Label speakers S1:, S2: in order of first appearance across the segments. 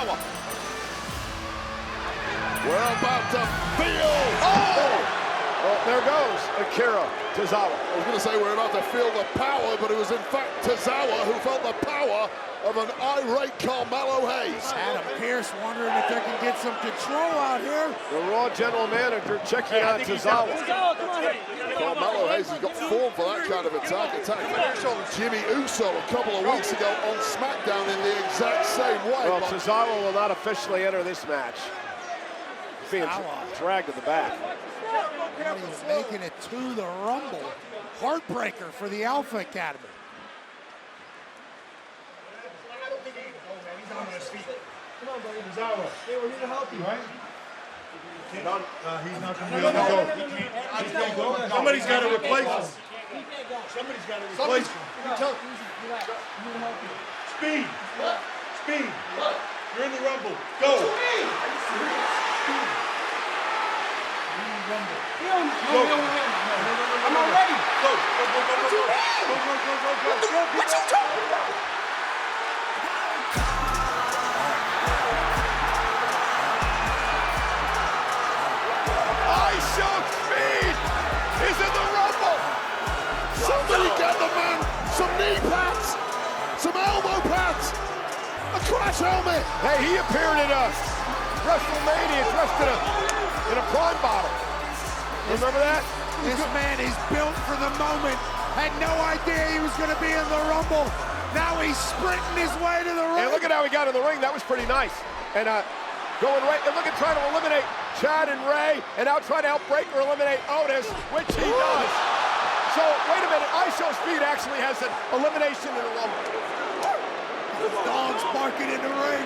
S1: Tozawa. We're about to feel. Oh!
S2: Well, there goes Akira Tozawa.
S1: I was going to say we're about to feel the power, but it was in fact Tozawa who felt the power of an irate Carmelo Hayes.
S3: Adam Pearce wondering if they can get some control out here.
S2: The Raw general manager checking on Tozawa.
S1: Carmelo Hayes has got form for that kind of attack. Jimmy Uso a couple of weeks ago on SmackDown in the exact same way.
S2: Well, Tozawa will not officially enter this match. Being dragged to the back.
S3: He's making it to the Rumble. Heartbreaker for the Alpha Academy.
S4: Come on, buddy. Tozawa. Hey, we're here to help you, right?
S5: He's not going to be able to go. He can't go. Somebody's got to replace him. Somebody's got to replace him. Speed. Speed. You're in the Rumble. Go.
S4: No. I'm not ready.
S5: Go.
S4: What you talking about?
S1: ISO Speed is in the Rumble. Somebody get the man some knee pads, some elbow pads, a crash helmet.
S2: Hey, he appeared at WrestleMania dressed in a Prime bottle. Remember that?
S3: This man is built for the moment. Had no idea he was going to be in the Rumble. Now he's sprinting his way to the ring.
S2: And look at how he got in the ring. That was pretty nice. And going right, and look at trying to eliminate Chad and Ray, and now trying to help break or eliminate Otis, which he does. So, wait a minute, ISO Speed actually has an elimination in the Rumble.
S3: The dog's barking in the ring.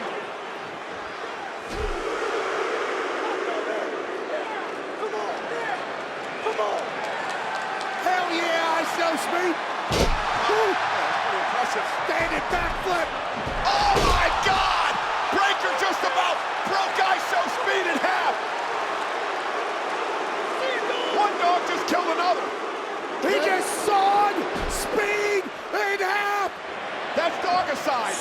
S4: Come on.
S3: Hell yeah, ISO Speed.
S2: Pretty impressive.
S3: Standing backflip.
S2: Oh my God! Breaker just about broke ISO Speed in half. One dog just killed another.
S3: He just sawed Speed in half.
S2: That's dogicide.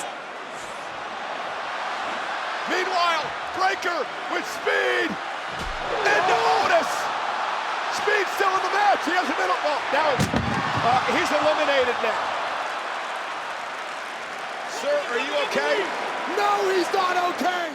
S2: Meanwhile, Breaker with Speed into Otis. Speed still in the match. He hasn't been. Well, now he's eliminated now. Sir, are you okay?
S3: No, he's not okay.